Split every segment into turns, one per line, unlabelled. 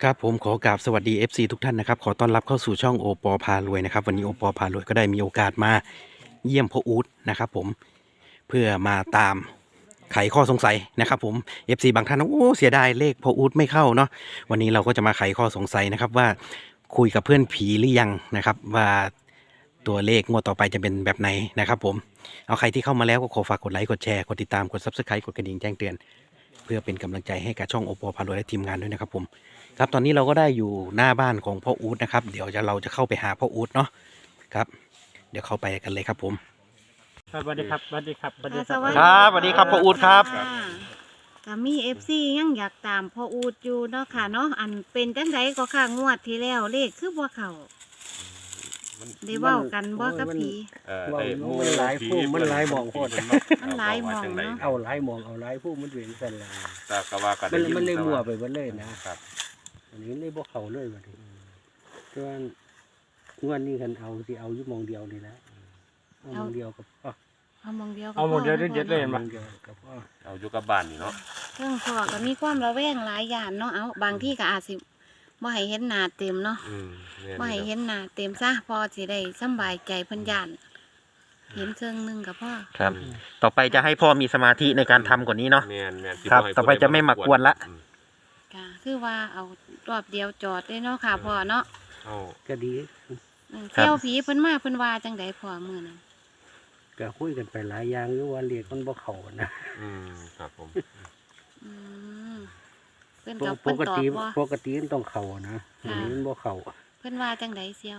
ครับผมขอกราบสวัสดี FC ทุกท่านนะครับขอต้อนรับเข้าสู่ช่องโอปอพารวยนะครับวันนี้โอปอพารวยก็ได้มีโอกาสมาเยี่ยมพ่ออู๊ดนะครับผมเพื่อมาตามไขข้อสงสัยนะครับผม FC บางท่านโอ้เสียดายเลขพ่ออู๊ดไม่เข้าเนาะวันนี้เราก็จะมาไขข้อสงสัยนะครับว่าคุยกับเพื่อนผีหรือยังนะครับว่าตัวเลขงวดต่อไปจะเป็นแบบไหนนะครับผมเอาใครที่เข้ามาแล้วก็ขอฝากกดไลค์กดแชร์กดติดตามกด Subscribe กดกระดิ่งแจ้งเตือนเพื่อเป็นกำลังใจให้กับช่องโอปอพารวยและทีมงานด้วยนะครับผม ครับตอนนี้เราก็ได้อยู่หน้าบ้านของพ่ออู๊ดนะครับเดี๋ยวเราจะเข้าไปหาพ่ออู๊ดเนาะครับเดี๋ยวเข้าไปกันเลยครับผม
สวัสดีครับสวัสดีครับสวัสดีค
ส
รับ
วัสดี
ครับสวัสดีครับพ่ออู๊ดครับ
ะก็มีFCยังอยากตามพ่ออูดอยู่เนาะค่ะเนาะอันเป็นจังไดก็ค่ะงวดที่แล้วเลขคือบ่เข้าได้เว้ากันบ่กับผี
ว่ามันหลายผู้มันหลายหมองโคตร
มันหลายหม้องเนาะ
เอาหลายหมองเอาหลายผู้มันเวียนกันละ
แต่ก็ว่ากัน
มันเลยมั่วไปหมดเลยนะครับอันนี้เลยบ่เข้าเลยบัดนี้ส่วนงวดนี้คันเอาสิเอาอยู่หมองเดียวนี่นะเอาหมองเดียวกับพ่อ
เอาหมองเดียวก็
เอาหม้องเดียว
พ
เด็ดๆเลย
หมองเดียวกับพ่อ
เอาอยู่กับบ้านนี่เนาะ
เรื่องพ่อก็มีความระแวงหลายอย่างเนาะเอาบางที่ก็อาจสิบ่ให้เห็นหน้าเต็มเนาะ บ่ให้เห็นหน้าเต็มซะพอสิได้สำบายใจเพิ่นย่านเห็นเครื่องหนึงก็พอ
ครับต่อไปจะให้พ่อมีสมาธิในการทำกว่านี้เนาะ
แม่นแม่น
ครับต่อไปจะไม่มากวนละ
ค่ะคือว่าเอารอบเดียวจอดได้เนาะค่ะพ่อเนาะ
เอา
ก็ดี
เที่ยวผีเพิ่นมาเพิ่นว่าจังไดพ่อมื้อนั้น
ก็คุยกันไปหลายอย่างอยู่ว่าเรียกมันบ่เข้านะ
ครับผม
อืมเพิ่นก็
ป
เพิ่น
ก
ตอบ
ติ
ว่า
ปกติมันต้องเข้านะอันนี้มันบ่เข้า
เพิ่นว่าจังไดเสี่ยว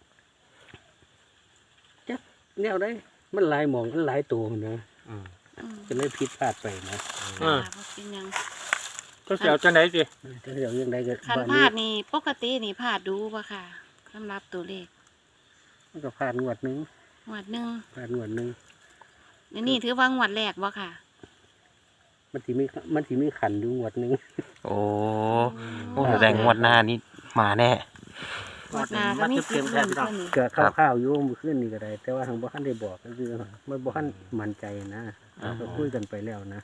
แนวได้มันหลายหมองมันหลายตัวนะ
อืม
ก็เลยผิดพลาดไปนะ
ว่าบ่เป็นหยัง
ก็เสียวจังไหนสิ
ถ้าเดี๋ยวยังไงก็
คัน
บ้าน
พลา
นี้
ดนี่ปกตินี่พลาดดูบ่ค่ะสำหรับตัวเลข
มันก็พลาดงวดหนึง
งวดหนึง
พลาดงวดหนึง
อันนี่ถือว่างวดแรกบ่ค่ะ
มันสิมีขันอยู่งวดหนึง
โอ้แสดงงวดหน้านี้มาแน่
งวดหน้าก็มีสิทธิ์ลุ้นเพิ่นนี่
ก็ข้าวๆอยู่มื้อคืนนี้ก็ได้ แต่ว่าทางบ่ทันได้บอกก็คือมันบ่ทันมั่นใจนะก็คุยกันไปแล้วนะ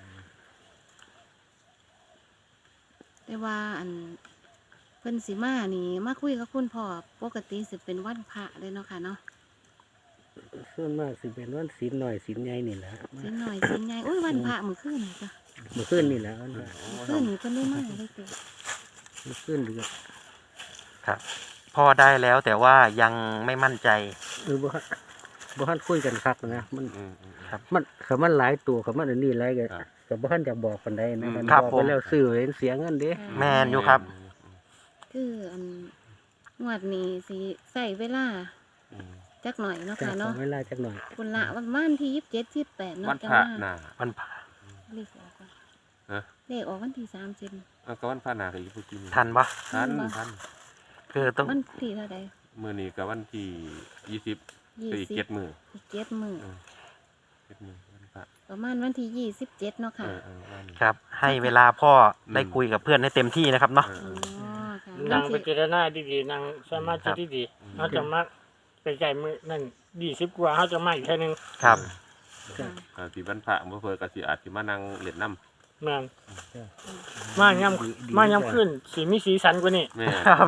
แต่ว่าอันเพิ่นสิมานี่มาคุยกับคุณพ่อปกติสิเป็นวันพระเลยเนาะค่ะเนาะ
ส่วนมากสิเป็นวันศีลน้อยศีลใหญ่นี่แหละ
สิหน่อยสิใหญ่โอ้ยวันพระมื้อคืนนี่จ้ะ
มื้อคืนนี่แหละวันพระ
มื้อคืนนี่เพิ่นได้มาเลยติ
มื้อคืนเดือด
ครับพ่อได้แล้วแต่ว่ายังไม่มั่นใจ
บ่ทันคุยกันคักนะมัน
ครับ
มันคือมันหลายตัวคือมันอันนี้หลายก็บ่ทันจะบอกปานใดนะมัน
ครับ
บอก
ผ
ไป
ม
แล้วซื้อเห็นเสียเงินเด้
แม่นอยู่ครับ
คืออันงวดนี้สิใส่เวลาจักหน่อยเนาะ
จะ
ค่ะ
ขอ
เนาะ
เวลาจักหน่อย
คุณละวันวันที่27 28เนาะ
วัน
จั
พระ
มา
น่ะ
มันผ่า
เลขออกก่อน
ฮะ
เลขออกวันที่30
ก็วันพระน่ะก็อยู่กิน
ทันปะ
ทัน
คือต้อง
วันที่เท่าใด
มื้อนี้ก็วันที่20อีก7มื้อ
อีก7มื้อ
7มื้อวันพระ
ประมาณวันที่27เนาะค่ะ
วันนี้
ครับให้เวลาพ่อได้คุยกับเพื่อนให้เต็มที่นะครับเนาะ
อ๋อค่ะ
นั่ง
วั
ไป
น
เจ
ที่
รนาดีๆนั่งสมาธิดีๆเขาจะมาไปไก่มือนั่น20 กว่าเขาจะมาอีกแค่นึง
ครับ
ค่ะ
ที่วันพระเพิ่นก็สิอาจสิมานั่งเล่นน้ำ
แม่นมาย่ำขึ้นสีมีสีสันกว่านี้
แม่
ครับ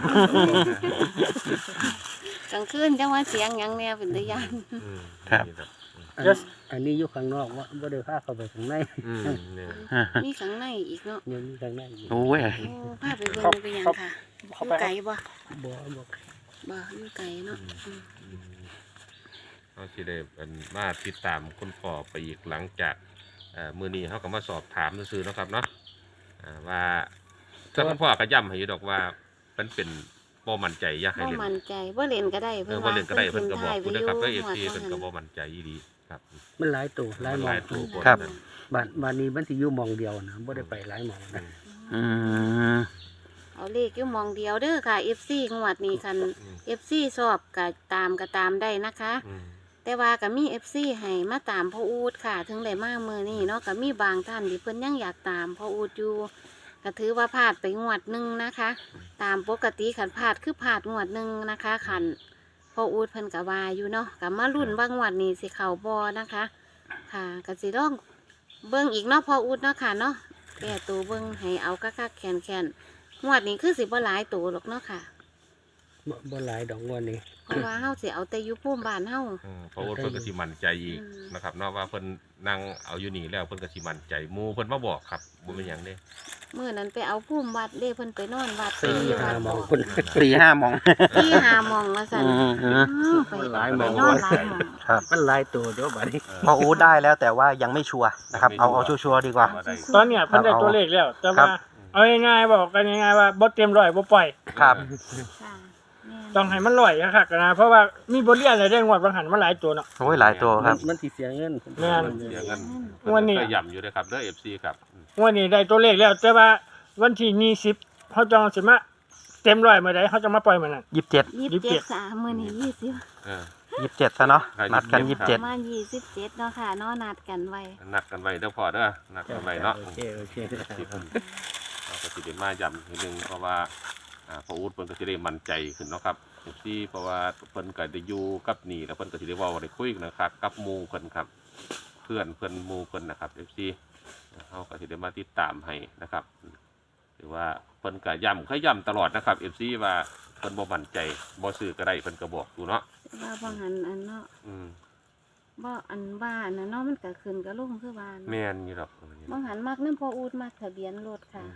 กลางคืนจังว่าเสียงหยังแนวเป็นตะยาน
ครับ
อันนี้อยู่ข้างนอกว่าบ่ได้พาเข้าไปข้างใน
เนี่ย
มีข้างในอีกเนาะ
ยังมีข้างในอยู่
โอ้ย
โอ้พาไปเบิ่งไปหยังค่ะอยู่ไกลบ่
บ่
บ่อยู่ไกลเนาะอืม
เขาสิได้มาติดตามคุณพ่อไปอีกหลังจากมื้อนี้เขาก็มาสอบถามซื่อๆเนาะครับเนาะว่าถ้าคุณพ่อก็ย้ำให้อยู่ดอกว่ามันเป็นบ่มั่นใจอยากให้
บ่
เล่น
มั่นใจบ่เล่นก็ได้
บ่เล่นก็ได้เพิ่นก็บอกคุณนะครับว่า
เพิ่
FC
น
เพิ่น
ก็
ก็
บ่
บ่มั่นใจอีหลีครับ
มันหลายตัวหลายหม
ห
อ
ลาง ยตัวคน
ครับ
นั้น
บ้านนี้มันสิอยู่หมองเดียวนะบ่ได้ไปหลายหมองนะ
อืม
เอาเลขอยู่หมองเดียวเด้อค่ะ FC งวดนี้คัน FC ชอบก็ตามได้นะคะ แต่ว่าก็มี FC ให้มาตามพ่ออูดค่ะ ถึงได้มามื้อนี้เนาะก็มีบางท่านที่เพิ่นยังอยากตามพ่ออูดอยู่ก็ถือว่าพลาดไปงวดหนึงนะคะ ตามปกติขันพลาดคือพลาดงวดหนึงนะคะขันพ่ออูดเพิ่นก็ว่าอยู่เนาะก็มาลุ้นว่างวดนี้สิเข้าบ่นะคะ ค่ะก็สิลองเบิ่งอีกเนาะพ่ออูดเนาะค่ะเนาะแก้ตัวเบิ่งให้เอาคักๆแขนๆงวดนี้คือสิบ่หลายตัวหรอกเนาะค่ะ
บ่หลายดอกงวดนี้
เพราะว่าเฮาสิเอาแต่อยู่ภูมิบ้านเฮา
เพราะว่าเพิ่นก็สิมั่นใจอีก
อืม
นะครับเนาะว่าเพิ่นนั่งเอาอยู่นี่แล้วเพิ่นก็สิมั่นใจหมู่เพิ่นมาบอกครับบ่เป็นหยังเด้
มื้อนั้นไปเอาภูมิวัดเด้เพิ่นไปนอนวัด
สี่
ที่
ห้า
วัด
หมอง
บอก
คน
4-5 มอง
ที่หาหมองว่าซั่นไป
หลายห
ไป
ม่อง
นอนหลายหมอง
ครับ
มันหลายตัวเดี๋ยวบัดนี้
พออู๊ดได้แล้วแต่ว่ายังไม่ชัวร์นะครับเอาชัวร์ๆดีกว่า
ได้
ตอนเนี้ยเพิ่นได้ตัวเลขแล้ว แต่ว่าเอาง่ายๆบอกกันง่ายๆว่าบ่เต็มร้อยบ่ปล่อย
ครับ
ค่ะแม่น
ต้องให้มันร้อยคักๆนะเพราะว่ามีบทเรียนอะไรได้งวดบางหันมันหลายตัวเนาะ
โอ้ยหลายตัวครับ
มันสิเสียเงิน
แม่น
เสียเงิน
วันนี้
ก็ย่ำอยู่เลยครับเด้อ FC ครับ
งวันนี้ได้ตัวเลขแล้วแต่ว่าวันที่20เขาจองสิมาเต็มร้อยเมื่อใดเขาจะมาปล่อยมื้อนั้น
27
27 3มื้อนี้20
เออ
27ซะเนาะ
ครับ
นัดกัน
27
ประมาณ27เนาะค่ะเนาะนัดกันไว้
นัดกันไว้เด้อพ่อเด้อนัดกันไว้เนาะ
โอเค
เราก็สิได้มาย้ำทีนึงเพราะว่าพออูดเพิ่นก็สิได้มั่นใจขึ้นเนาะครับที่เพราะว่าเพิ่นก็ได้อยู่กับนี่แล้วเพิ่นก็สิได้เว้าได้คุยกันนะครับกับหมู่เพิ่นครับ เพื่อนหมู่เพิ่นนะครับ FC เฮาก็สิได้มาติดตามให้นะครับหรือว่าเพิ่นก็ย้ำตลอดนะครับ FC ว่าเพิ่นบ่มั่นใจบ่ซื้อก็ได้เพิ่นก็บอกอยู่เนาะ
ว่าบางหันอันเนาะ
อืม
บ่อันบ้านน่ะเนาะมันก็ขึ้นก็ลงคือบ้าน
แม่นอยู่ดอก
บางหันมักน้ำพออูดมักทะเบียนรถค่ะ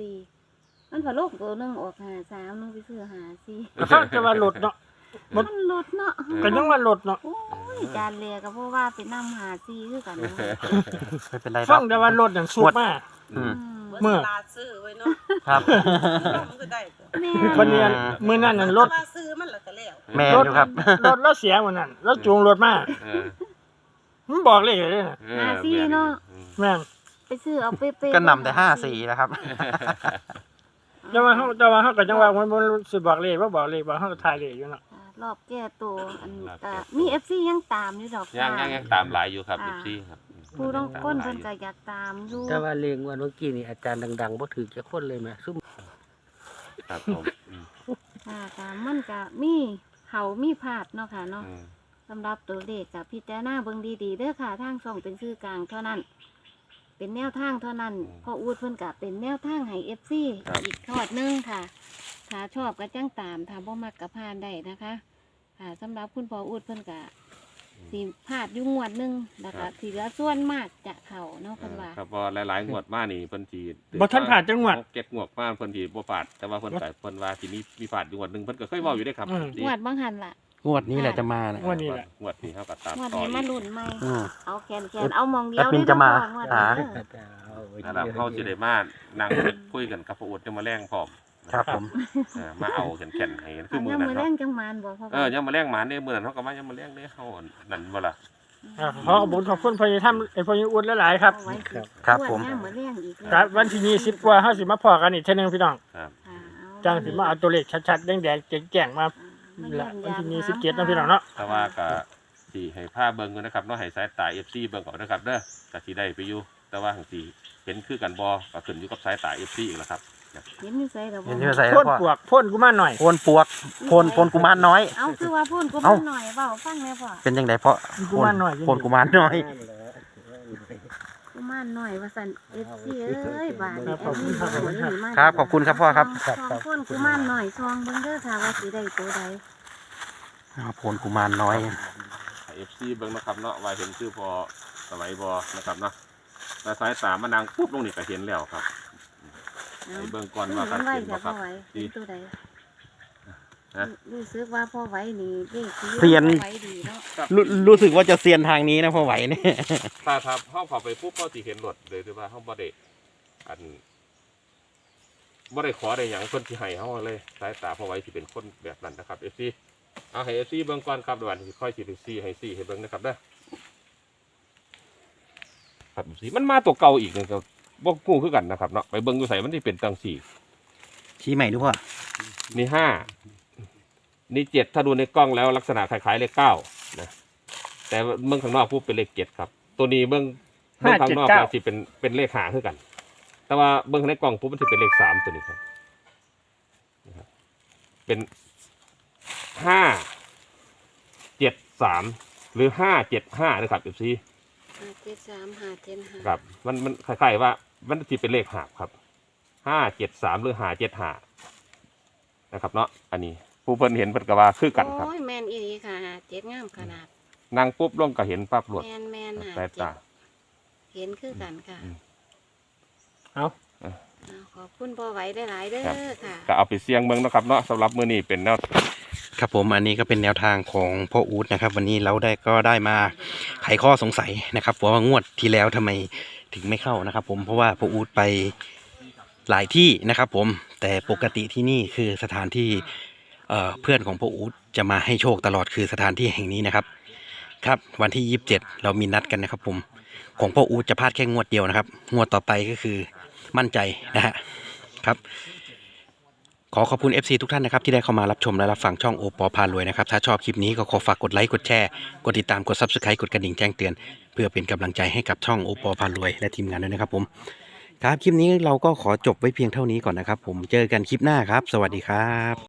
54มันพอโลกตัวหนึงออก53นึงไปซื้อ54
เขาจะว่ารถเนาะ
มันรถเนาะ
ก็ยังว่ารถเนาะ
โอ้ยจานเลียก็เพราะว่าไปนำ54คือกันเนาะ
ไม่เป็นไรหร
ฟั
อง ก
แต่ว่ารถนั่นสุกมาก
อืม
เมื่อ
ลาซื้อไว้เนาะ
ครับ
มันก็ได้ตัว
แม่
วันนี้มื้อนั้นน่ะรถ
ว่าซื้อมันแล้วก็แล้ว
แม่
รถ
อยู่ครับ
รถแล้วเสียมื้อนั้นแล้วจูงรถมา
เออ
มันบอกเลขเลยนะ
เออแม่น
แม่น
ไปซื้อเอาเป๊ะๆ
ก็นำแต่54นะครับ
แต่ว่าเขาก็จังว่ามันบ่รู้สิบอกเลขว่าบอกเลขว่าเขาก็ทายเลขอยู่เนาะ
รอบแก้ตัวอันก็มี FC ยังตามอยู่ดอก
ยังตามหลายอยู่ครับ FC ครับ
ผู้ต้องก้นเพิ่นก็อยากตามอยู่
แต่ว่าเลงวันเมื่อกี้นี่อาจารย์ดังๆบ่ถือจะคนเลยแม่ซุ่ม
ครับผม
ค่ะก็มันก็มีเขามีพลาดเนาะค่ะเนาะ
อืม
สำหรับตัวเลขกับพิจารณาเบิ่งดีๆเด้อค่ะทางช่องเป็นชื่อกลางเท่านั้น เป็นแนวทางเท่านั้นพออูดเพิ่นก็เป็นแนวทางให้ FC อีกทอดหนึงค่ะ ถ้าชอบก็จังตามถ้าบ่มักก็ผ่านได้นะคะค่ะสำหรับคุณพ่ออูดเพิ่นก็สิพลาดอยู่งวดหนึงแล้วก็สิเหลือส่วนมากจะเข้าเนาะเพิ่นว่า
ครับเพอหลายๆงวดมานี่เพิ่นสิ
บ่ทันผ่านจังหวัด
เก็บงวดมาเพิ่นสิบ่ผ่านแต่ว่าเพิ่นก็เพิ่นว่าสิมีผ่านอยู่งวดหนึงเพิ่นก็เคยเว้าอยู่ได้ครับ
งวดบางหันล่ะ
งวดนี้แหละจะมานะ
งวดนี้แหละ
งวดนี้เฮาก็ตาม
งวด
ต่อ
นี้
อี
มาก ลุ้นใหม่
อืม
เอาแขนเอามองเดียว
แอดมินจะมา
เด้อพ่องวดนี้เด้อ
นั่นล่ะเฮาสิได้มานั่งคุยกันกับพระอุดจะมาแรงพร้อม
ครับผม
มาเอาแข็งๆให้คือมื้อ
ยัง
นั้น
มือแร
เนาะ
งจังมานบ่พ่อ
ยังมาแรงหมาเนี่ยมื้อนั้นเฮาก็มายังมาแรงเด้เฮานั่นบ่ล่ะ
ขอขอบคุณพญธรรมไอ้พญอุดหลายๆครับ
เอาไว้สิ
ครับผม
งวดหน้ามือแรงอีกแล้ว
ครับวันที่20กว่าเฮาสิมาพอกันอีกเทื่อนึงพี่น้อง
ครับ
ค่ะ
จังสิมาเอาตัวเลขชัดๆแดงๆแจ้งๆมาละวันที่27เนาะพี่น้องเนาะ
แต่ว่าก็สิให้ผ้าเบิ่งอยู่นะครับเนาะให้สายตา FC เบิ่งก่อนนะครับเด้อก็สิได้ไปอยู่แต่ว่าหังสิเห็นคือกันบ่ก็ขึ้นอยู่กับสายตา FC อีกแล้วครับ
เห็นอยู่ใส่ดอก
เห็นที่ใส่
พ่
แล้ว
น
พ่อ
ปวกพ่นกูมาหน่อย
โพนปวกโพนกุมารน้อย
เอาคือว่าพูนกู
เอ้า
มันหน่อยเปล่าฟังแม่พ่อ
เป็นยังไงพ่อ
กุมารน้อย
โพนกุมารน้อย
กูมันหน่อยว่าสันเอฟซีเอ้ยบาด
ครับขอบคุณครับ
ครับขอบคุณครับพ่อครับ
สองคนกูมันหน่อยซองเบิ่งเด้อค่ะว่าสิได้ตัวใด
โพนกุมารน้อย
ให้ FC เบิ่งนะครับเนาะว่าเห็นชื่อพอสมัยบ่นะครับเนาะแต่สายตามันนางปุ๊บลงนี่ก็เห็นแล้วครับ
เอา
ให้เบิ่งก่อน
มั
ว่ากัน
นไหว
เห็น
จะ
บ่ค
พ่อ
รับ
ไหวเป็นตัวใด
ฮะ
รู้สึกว่าพ่อไหวนี่เด็ก
เซียน
ไหวดีเนาะ
รู้สึกว่าจะเซียนทางนี้นะพ่อไหวเนี่ย
ถ้าเฮาเข้าไปปุ๊บเฮาสิเห็นรถเลยหรือว่าเฮาบ่ได้บ่ได้ขอได้หยังเพิ่นสิให้เฮาเลยสายตาพอไว้สิเป็นคนแบบนั้นนะครับ FC เอาให้ FC เบิ่งก่อนครับเดี๋ยววันสิค่อยสิไปซี่ให้ซี่ให้เบิ่งนะครับเด้อครับ FC มันมาตัวเก่าอีกนึงก็บ่ฮู้คือกันนะครับเนาะไปเบิ่งอยู่ไสมันสิเป็นจังซี่
ชี้ใหม่ดูพ่อ
นี่5นี่7ถ้าดูในกล้องแล้วลักษณะคล้ายๆเลข9นะแต่เบิ่งข้างนอกปุ๊บเป็นเลข7ครับตัวนี้เบิ่งข้างนอกก็สิเป็นเลข5คือกัน แต่ว่าเบิ่งในกล่องปุ๊บมันจะเป็นเลข3ตัวนี้ครับนะครับเป็น573หรือ575นะครับFC
573 575
ครับมันคล้ายๆว่ามันจะเป็นเลขหาบครับ 573หรือ575นะครับเนาะอันนี้ผู้เพิ่นเห็นเพิ่นก็ว่าคือกันครับ
โอ้ยแม่นอีหลีค่ะเจ็ดงามขนาด
นั่งปุ๊บลงก็เห็นปั๊บรวด
แม่นหา
สาย
เจ็
ตา
ดเห็นคือกันค่ะ
เอา
เอาขอบคุณพ่อไหวได้หลายๆเด้
ครับ
อค่ะ
ก็เอาไปเสี่ยงเบิ่งเนาะครับเนาะสำหรับมื้อนี้เป็นแนว
ครับผมอันนี้ก็เป็นแนวทางของพ่ออู๊ดนะครับ วันนี้เราก็ได้มาไขข้อสงสัยนะครับว่างวดที่แล้วทำไมถึงไม่เข้านะครับ ผมเพราะว่าพ่ออู๊ดไปหลายที่นะครับผมแต่ปกติที่นี่คือสถานที่เพื่อนของพ่ออู๊ดจะมาให้โชคตลอดคือสถานที่แห่งนี้นะครับครับวันที่27เรามีนัดกันนะครับผมของพ่ออู๊ดจะพลาดแค่งวดเดียวนะครับงวดต่อไปก็คือมั่นใจนะฮะครับขอขอบคุณ FC ทุกท่านนะครับที่ได้เข้ามารับชมและรับฟังช่องโอปอพารวยนะครับถ้าชอบคลิปนี้ก็ขอฝากกดไลค์กดแชร์กดติดตามกด Subscribe กดกระดิ่งแจ้งเตือนเพื่อเป็นกำลังใจให้กับช่องโอปอพารวยและทีมงานด้วยนะครับผมครับคลิปนี้เราก็ขอจบไว้เพียงเท่านี้ก่อนนะครับผมเจอกันคลิปหน้าครับสวัสดีครับ